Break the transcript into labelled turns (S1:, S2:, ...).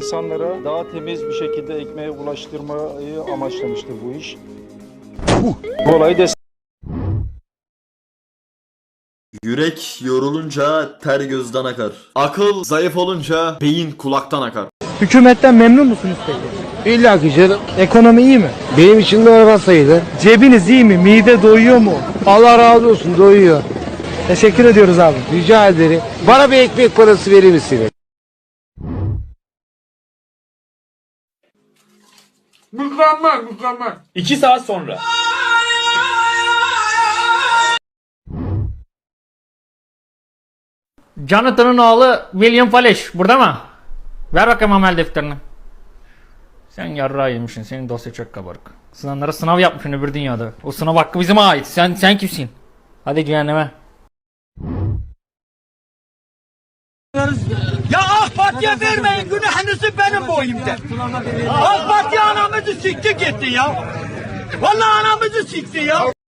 S1: İnsanlara daha temiz bir şekilde ekmeğe ulaştırmayı amaçlamıştır bu iş. Bu olayı
S2: Yürek yorulunca ter gözden akar. Akıl zayıf olunca beyin kulaktan akar.
S3: Hükümetten memnun musunuz peki?
S4: İlla ki canım.
S3: Ekonomi iyi mi?
S4: Benim için normal sayılır.
S3: Cebiniz iyi mi? Mide doyuyor mu?
S4: Allah razı olsun, doyuyor.
S3: Teşekkür ediyoruz abi.
S4: Rica ederim. Bana bir ekmek parası verir misiniz?
S5: Mükemmel.
S6: 2 saat sonra.
S7: Jonathan'ın oğlu William Falish burada mı? Ver bakayım amel defterini. Sen yarrağı yemişsin. Senin dosya çok kabarık. Sınavlara sınav yapmışsın öbür dünyada. O sınav hakkı bize ait. Sen kimsin? Hadi cehenneme.
S5: Ya AK Parti'ye vermeyin, günahınızı benim boyumda. AK Parti anamızı sikti gitti ya. Vallahi anamızı sikti ya.